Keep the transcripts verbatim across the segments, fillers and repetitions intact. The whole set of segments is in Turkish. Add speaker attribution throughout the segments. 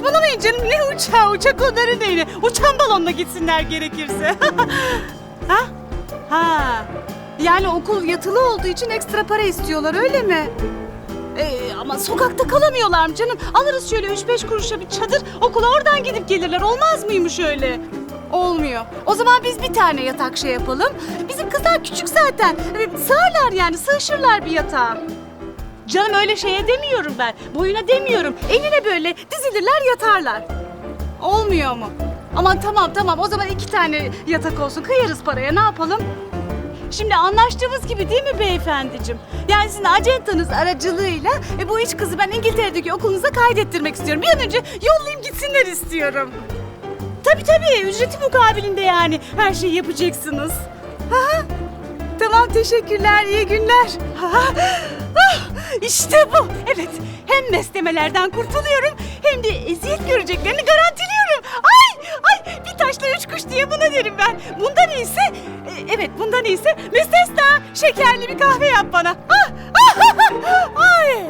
Speaker 1: saçmalamayın canım. Ne uçağı? Uçak onların neyine? Uçan balonla gitsinler gerekirse. Ha? Ha. Yani okul yatılı olduğu için ekstra para istiyorlar öyle mi? Ee, ama sokakta kalamıyorlar mı canım? Alırız şöyle üç beş kuruşa bir çadır, okula oradan gidip gelirler. Olmaz mıymış öyle? Olmuyor. O zaman biz bir tane yatak şey yapalım. Bizim kızlar küçük zaten. Ee, Sığarlar yani, sığışırlar bir yatağa. Canım öyle şeye demiyorum ben. Boyuna demiyorum. Eline böyle dizilirler, yatarlar. Olmuyor mu? Aman tamam tamam, o zaman iki tane yatak olsun. Kıyarız paraya, ne yapalım? Şimdi anlaştığımız gibi değil mi beyefendiciğim? Yani sizin acentanız aracılığıyla e, bu üç kızı ben İngiltere'deki okulunuza kaydettirmek istiyorum. Bir an önce yollayayım gitsinler istiyorum. Tabii tabii, ücreti mukabilinde yani her şeyi yapacaksınız. Ha? Tamam, teşekkürler, iyi günler. Ha? Ah, işte bu. Evet, hem beslemelerden kurtuluyorum hem de eziyet göreceklerini garantiliyorum. Ay ay, bir taşla üç kuş diye buna derim ben. Bundan iyisi, e, evet bundan iyisi müstesna şekerli bir kahve yap bana. Ah, ah, ah, ay.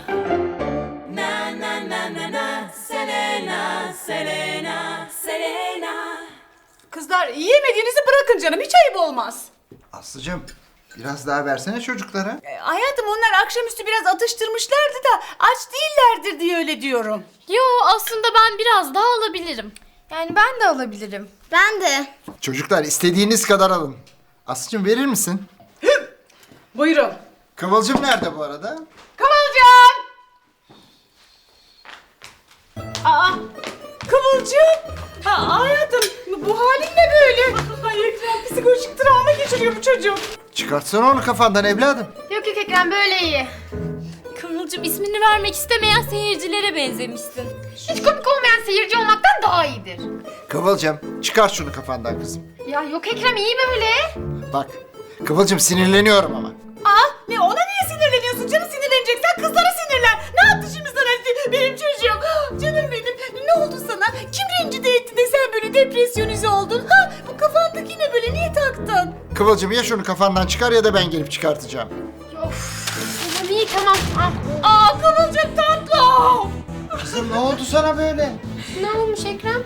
Speaker 2: Na na na na na, Selena, Selena, Selena.
Speaker 1: Kızlar, yiyemediğinizi bırakın canım, hiç ayıp olmaz.
Speaker 3: Aslıcığım biraz daha versene çocuklara.
Speaker 1: E, hayatım, onlar akşamüstü biraz atıştırmışlardı da aç değillerdir diye öyle diyorum.
Speaker 4: Yo, aslında ben biraz daha alabilirim.
Speaker 5: Yani ben de alabilirim.
Speaker 6: Ben de.
Speaker 3: Çocuklar istediğiniz kadar alın. Aslıcığım verir misin?
Speaker 1: Buyurun.
Speaker 3: Kıvılcım nerede bu arada?
Speaker 1: Kıvılcım! Aa, Kıvılcım! Ha, hayatım, bu halin ne böyle? Ay Ekrem, psikolojik travma geçiriyor bu çocuk.
Speaker 3: Çıkartsana onu kafandan evladım.
Speaker 5: Yok yok Ekrem, böyle iyi.
Speaker 4: Kıvılcım, ismini vermek istemeyen seyircilere benzemişsin.
Speaker 5: Hiç komik olmayan seyirci olmaktan daha iyidir.
Speaker 3: Kıvılcım çıkar şunu kafandan kızım.
Speaker 5: Ya yok Ekrem, iyi böyle.
Speaker 3: Bak Kıvılcım sinirleniyorum ama.
Speaker 1: Aa, ne, ona niye sinirleniyorsun canım? Sinirleneceksen kızlara sinirlen. Ne yaptı şimdi sana benim çocuğum? Canım benim, ne oldu sana? Kim rencide etti de sen böyle depresyonize oldun? Ha, bu kafandaki ne böyle, niye taktın?
Speaker 3: Kıvılcım ya şunu kafandan çıkar ya da ben gelip çıkartacağım.
Speaker 5: Of, tamam iyi tamam. Ah.
Speaker 1: Aa, Kıvılcım tatlım.
Speaker 3: Kızım ne oldu sana böyle?
Speaker 5: Ne olmuş Ekrem?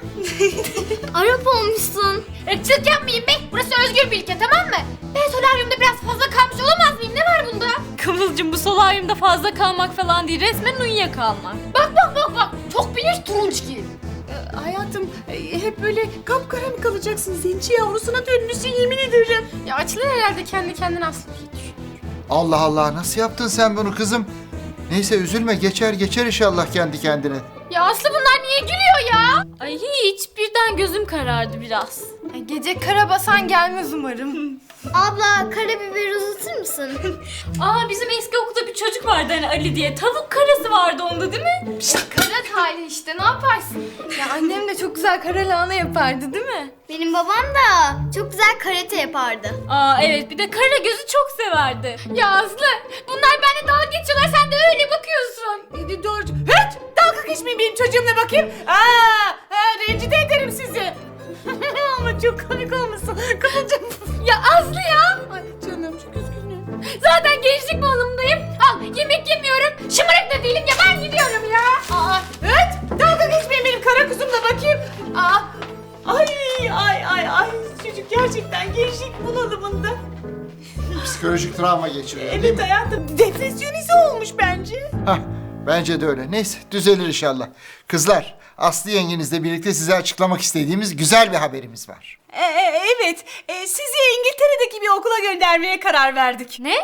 Speaker 6: Arap olmuşsun.
Speaker 5: Irkçılık yapmayayım be. Burası özgür bir ülke, tamam mı? Ben solaryumda biraz fazla kalmış olamaz mıyım? Ne var bunda?
Speaker 4: Kıvılcım, bu solaryumda fazla kalmak falan değil, resmen uyuyakalmak.
Speaker 5: Bak bak bak bak. Çok bilinç turunç giy.
Speaker 1: Ee, hayatım, e, hep böyle kapkara mı kalacaksın? Zenci yavrusuna dönmüşsün, yemin ederim.
Speaker 5: Ya açılır herhalde kendi kendine Aslı.
Speaker 3: Allah Allah nasıl yaptın sen bunu kızım? Neyse üzülme geçer geçer inşallah kendi kendine.
Speaker 5: Ya Aslı, bunlar niye gülüyor ya?
Speaker 4: Ay hiç, birden gözüm karardı biraz.
Speaker 5: Ay, gece kara basan gelmez umarım.
Speaker 6: Abla, karabiber uzatır mısın?
Speaker 4: Aa, bizim eski okulda bir çocuk vardı hani Ali diye. Tavuk karası vardı onda değil mi?
Speaker 5: Kara tali işte, ne yaparsın? Ya annem de çok güzel kara lahana yapardı değil mi?
Speaker 6: Benim babam da çok güzel karate yapardı.
Speaker 4: Aa evet, bir de kara gözü çok severdi.
Speaker 5: Ya Aslı, bunlar benimle dalga geçiyorlar, sen de öyle bakıyorsun.
Speaker 1: E, doğru. Hiç dalga geçmeyin benim çocuğumla bakayım. Aa, ha, rencide ederim sizi. Ama çok komik olmuşsun Kıvılcım.
Speaker 5: Ya Aslı ya!
Speaker 1: Ay canım, çok üzgünüm.
Speaker 5: Zaten gençlik bağlamındayım. Al, yemek yemiyorum, şımarık da değilim ya, ben gidiyorum ya.
Speaker 1: Aa, evet, dalga geçmeyin benim kara kuzumla bakayım. Aa, ay ay ay ay, çocuk gerçekten gençlik bunalımında.
Speaker 3: Psikolojik travma geçiriyor değil
Speaker 1: Evet
Speaker 3: mi?
Speaker 1: hayatım, depresyonize olmuş bence.
Speaker 3: Hah, bence de öyle. Neyse düzelir inşallah. Kızlar, Aslı yengenizle birlikte size açıklamak istediğimiz güzel bir haberimiz var.
Speaker 1: E, e, evet, e, sizi İngiltere'deki bir okula göndermeye karar verdik.
Speaker 4: Ne?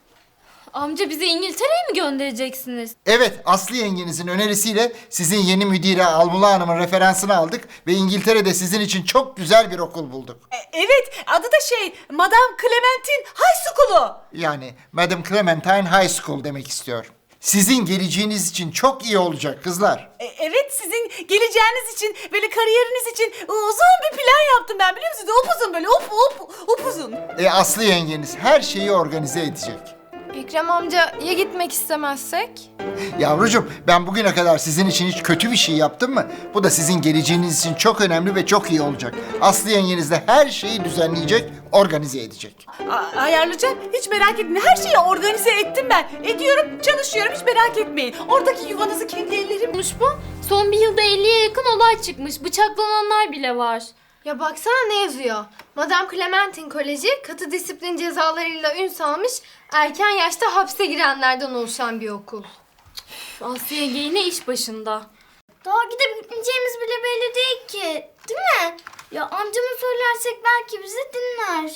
Speaker 4: Amca, bizi İngiltere'ye mi göndereceksiniz?
Speaker 3: Evet, Aslı yengenizin önerisiyle sizin yeni müdire Almula Hanım'ın referansını aldık ve İngiltere'de sizin için çok güzel bir okul bulduk.
Speaker 1: E, evet, adı da şey, Madame Clementine High School'u.
Speaker 3: Yani Madam Clementine High School demek istiyor. Sizin geleceğiniz için çok iyi olacak kızlar.
Speaker 1: E, evet, sizin geleceğiniz için, böyle kariyeriniz için uzun bir plan yaptım ben, biliyor musunuz? Upuzun böyle, up up upuzun.
Speaker 3: E Aslı yengeniz her şeyi organize edecek.
Speaker 5: Ekrem amca, ya gitmek istemezsek?
Speaker 3: Yavrucuğum ben bugüne kadar sizin için hiç kötü bir şey yaptım mı? Bu da sizin geleceğiniz için çok önemli ve çok iyi olacak. Aslı yengeniz de her şeyi düzenleyecek, organize edecek.
Speaker 1: A- ayarlayacağım, hiç merak etmeyin. Her şeyi organize ettim ben. Ediyorum, çalışıyorum, hiç merak etmeyin. Oradaki yuvanızı kendi ellerim...
Speaker 4: Olmuş bu. Son bir yılda elliye yakın olay çıkmış. Bıçaklananlar bile var.
Speaker 5: Ya baksana ne yazıyor. Madame Clementine Koleji katı disiplin cezalarıyla ün salmış, erken yaşta hapse girenlerden oluşan bir okul.
Speaker 4: Aslı yenge yine iş başında.
Speaker 6: Daha gidip gitmeyeceğimiz bile belli değil ki. Değil mi? Ya amcama söylersek belki bizi dinler.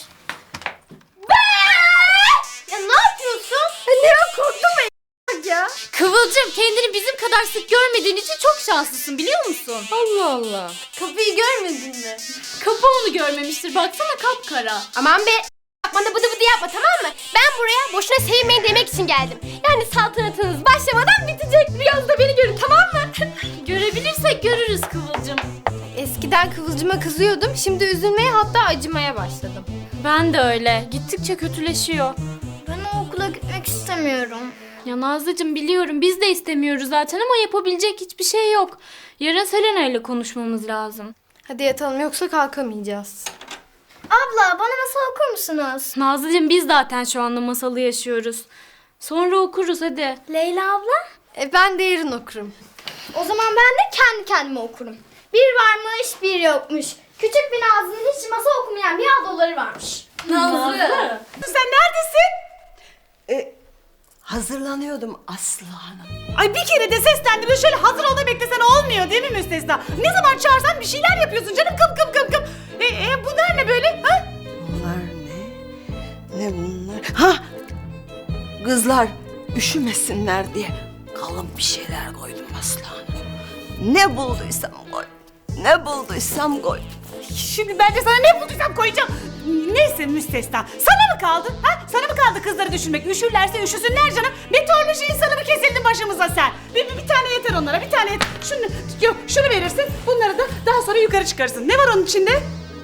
Speaker 6: Ya ne yapıyorsun?
Speaker 5: Ne korktum ben ya.
Speaker 4: Kıvılcım, kendini bizim kadar sık görmediğin için çok şanslısın, biliyor musun?
Speaker 5: Allah Allah. Kapıyı görmedin mi?
Speaker 4: Kapı onu görmemiştir. Baksana kapkara.
Speaker 5: Aman be. Bana bıdı bıdı yapma, tamam mı? Ben buraya boşuna sevinmeyin demek için geldim. Yani saltanatınız başlamadan bitecek. Rüyanızda beni görün, tamam mı?
Speaker 4: Görebilirsek görürüz Kıvılcım.
Speaker 5: Eskiden Kıvılcım'a kızıyordum. Şimdi üzülmeye, hatta acımaya başladım.
Speaker 4: Ben de öyle. Gittikçe kötüleşiyor.
Speaker 6: Ben o okula gitmek istemiyorum.
Speaker 4: Ya Nazlıcığım, biliyorum biz de istemiyoruz zaten ama yapabilecek hiçbir şey yok. Yarın Selena ile konuşmamız lazım.
Speaker 5: Hadi yatalım, yoksa kalkamayacağız.
Speaker 6: Abla bana masal okur musunuz?
Speaker 4: Nazlıcığım, biz zaten şu anda masalı yaşıyoruz. Sonra okuruz hadi.
Speaker 6: Leyla abla?
Speaker 5: E ben de yarın okurum.
Speaker 6: O zaman ben de kendi kendime okurum. Bir varmış bir yokmuş. Küçük bir Nazlı'nın hiç masal okumayan bir ablaları varmış.
Speaker 4: Nazlı.
Speaker 1: Sen neredesin?
Speaker 2: E, hazırlanıyordum Aslı Hanım.
Speaker 1: Ay bir kere de seslendir ve şöyle hazır ol da beklesen olmuyor değil mi Müstesna? Ne zaman çağırsan bir şeyler yapıyorsun canım, kım kım kım kım. E, e, bunlar ne böyle? Ha?
Speaker 2: Bunlar ne? Ne bunlar? Ha! Kızlar üşümesinler diye kalın bir şeyler koydum Aslı Hanım. Ne bulduysam koy. Ne bulduysam koy.
Speaker 1: Şimdi ben de sana ne bulduysam koyacağım. Neyse Müstesna, sana mı kaldı? Ha? Sana mı kaldı kızları düşünmek? Üşürlerse üşüsünler canım. Meteoroloji insanı mı kesildin başımıza sen? Bir, bir, bir tane yeter onlara, bir tane yeter. Şunu, yok, şunu verirsin, bunları da daha sonra yukarı çıkarırsın. Ne var onun içinde?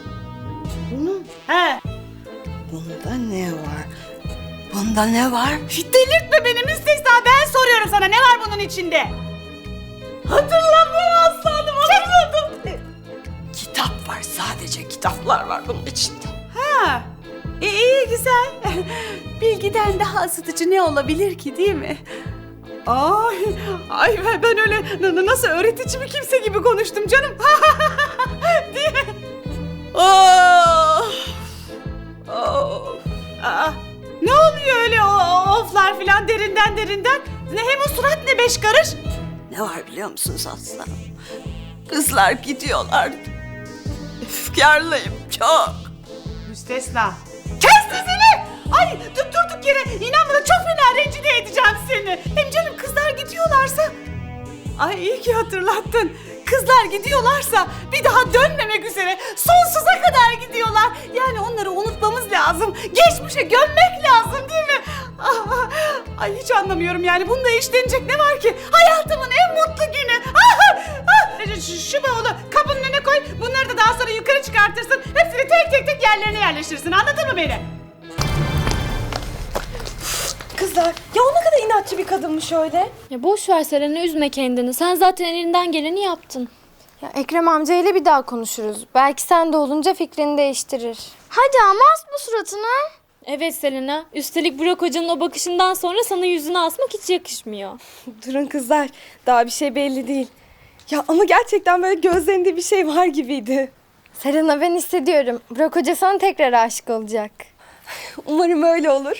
Speaker 2: Bunu,
Speaker 1: He.
Speaker 2: bunda ne var? Bunda ne var?
Speaker 1: Delirtme beni Müstesna, ben soruyorum sana, ne var bunun içinde? Hatırlamıyorum aslanım, hatırladım.
Speaker 2: Kitap var, sadece kitaplar var bunun içinde.
Speaker 1: Ha, iyi, iyi güzel. Bilgiden daha ısıtıcı ne olabilir ki, değil mi? Ay, ay ben- ben öyle n- n- nasıl öğretici bir kimse gibi konuştum canım. Değil mi?
Speaker 2: Oh! Oh!
Speaker 1: Aa, ne oluyor öyle o, o oflar filan derinden derinden? Ne hem o surat ne beş karış?
Speaker 2: Ne var biliyor musunuz aslanım? Kızlar gidiyorlar. Efkarlıyım çok.
Speaker 1: Müstesna. Kes sesini! Ay dur durduk yere inan bana çok fena rencide edeceğim seni. Hem canım kızlar gidiyorlarsa... Ay iyi ki hatırlattın. Kızlar gidiyorlarsa bir daha dönmemek üzere sonsuza kadar gidiyorlar. Yani onları unutmamız lazım. Geçmişe gömmek lazım değil mi? Ah, ay hiç anlamıyorum yani. Bunda işlenecek ne var ki? Hayatımın en mutlu günü. Ah, ah. Şu, şu bavulu kapının önüne koy. Bunları da daha sonra yukarı çıkartırsın. Hepsini tek tek tek yerlerine yerleştirsin. Anladın mı beni?
Speaker 7: Kızlar ya o ne kadar inatçı bir kadınmış öyle.
Speaker 4: Ya boş ver Selena, üzme kendini. Sen zaten elinden geleni yaptın.
Speaker 5: Ya Ekrem amcayla bir daha konuşuruz. Belki sen de olunca fikrini değiştirir.
Speaker 6: Hadi ama asma suratını.
Speaker 4: Evet Selena. Üstelik Burak Hoca'nın o bakışından sonra sana yüzünü asmak hiç yakışmıyor.
Speaker 7: Durun kızlar daha bir şey belli değil. Ya ama gerçekten böyle gözlerinde bir şey var gibiydi.
Speaker 5: Selena, ben hissediyorum. Burak Hoca sana tekrar aşık olacak.
Speaker 7: Umarım öyle olur.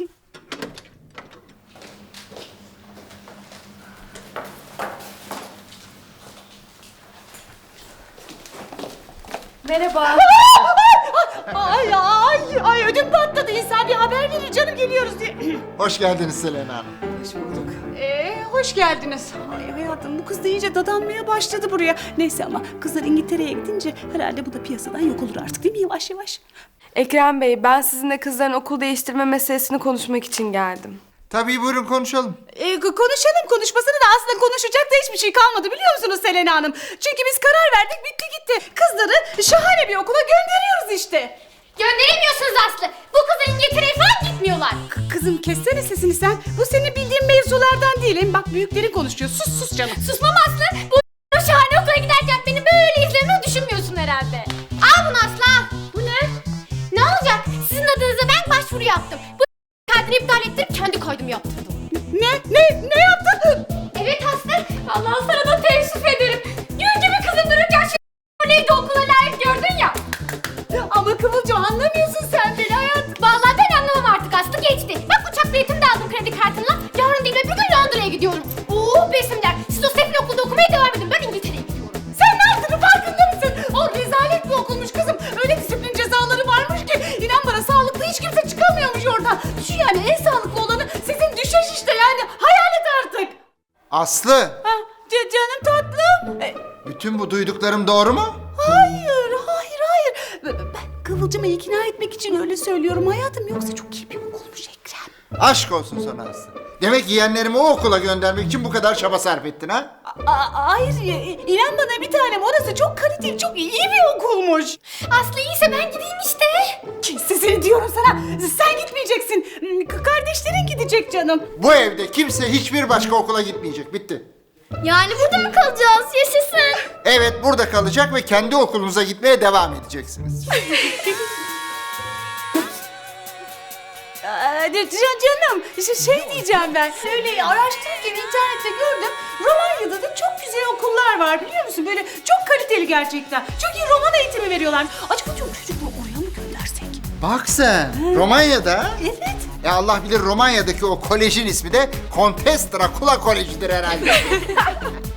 Speaker 5: Merhaba.
Speaker 1: Ay ay ay ödüm patladı. İnsan bir haber verir canım geliyoruz diye.
Speaker 3: Hoş geldiniz Selena Hanım.
Speaker 1: Hoş bulduk. Ee, hoş geldiniz. Ay hayatım bu kız da iyice dadanmaya başladı buraya. Neyse ama kızlar İngiltere'ye gidince herhalde bu da piyasadan yok olur artık değil mi yavaş yavaş?
Speaker 7: Ekrem Bey, ben sizinle kızların okul değiştirme meselesini konuşmak için geldim.
Speaker 3: Tabii buyurun konuşalım.
Speaker 1: Ee, konuşalım konuşmasını da aslında konuşacak da hiçbir şey kalmadı biliyor musunuz Selena Hanım? Çünkü biz karar verdik bitti gitti. Kızları şahane bir okula gönderiyoruz işte.
Speaker 5: Gönderemiyorsunuz Aslı. Bu kızlar İngiltere'ye falan gitmiyorlar.
Speaker 1: K- kızım kessene sesini sen. Bu senin bildiğin mevzulardan değil. Hem bak büyüklerin konuşuyor. Sus sus canım.
Speaker 5: Susmam Aslı. Bu şahane okula giderken beni böyle izlediğini düşünmüyorsun herhalde. Al bunu Aslı al. Bu ne? Ne olacak? Sizin adınıza ben başvuru yaptım. Bu kaydını iptal ettirip kendi kaydımı yaptırdım.
Speaker 1: Ne? Ne? Ne yaptın?
Speaker 5: Evet Aslı. Vallahi sana da teessüf ederim. Serkan'la. Yarın değil öbür gün Londra'ya gidiyorum. Oo Besim der. Siz o sefil okulda okumaya devam edin. Ben İngiltere'ye gidiyorum.
Speaker 1: Sen ne yaptığını farkında mısın? O rezalet bir okulmuş kızım. Öyle disiplin cezaları varmış ki inan bana sağlıklı hiç kimse çıkamıyormuş oradan. Düşün yani en sağlıklı olanı sizin düşeş işte yani. Hayal et artık.
Speaker 3: Aslı,
Speaker 1: Ha, c- canım tatlım. E,
Speaker 3: bütün bu duyduklarım doğru mu?
Speaker 1: hayır, hayır, hayır. Ben Kıvılcım'ı ikna etmek için öyle söylüyorum hayatım. Yoksa çok iyi bir okulmuş Ekrem.
Speaker 3: Aşk olsun sana Aslı. Demek yeğenlerimi o okula göndermek için bu kadar çaba sarf ettin ha?
Speaker 1: A- hayır, e, inan bana bir tanem orası çok kaliteli, çok iyi bir okulmuş.
Speaker 5: Aslı iyiyse ben gideyim işte.
Speaker 1: Sesini diyorum sana. Sen gitmeyeceksin. K- Kardeşlerin gidecek canım.
Speaker 3: Bu evde kimse hiçbir başka okula gitmeyecek. Bitti.
Speaker 6: Yani burada mı kalacağız? Yaşasın.
Speaker 3: Evet, burada kalacak ve kendi okulunuza gitmeye devam edeceksiniz.
Speaker 1: Aa, can- canım, işte şey diyeceğim ben. Öyle araştırırken internette gördüm. Romanya'da da çok güzel okullar var biliyor musun? Böyle çok kaliteli gerçekten. Çok iyi roman eğitimi veriyorlar. Acaba diyorum çocukları oraya mı göndersek?
Speaker 3: Bak sen, Romanya'da.
Speaker 1: Evet.
Speaker 3: Ya Allah bilir Romanya'daki o kolejin ismi de Kontes Dracula Koleji'dir herhalde.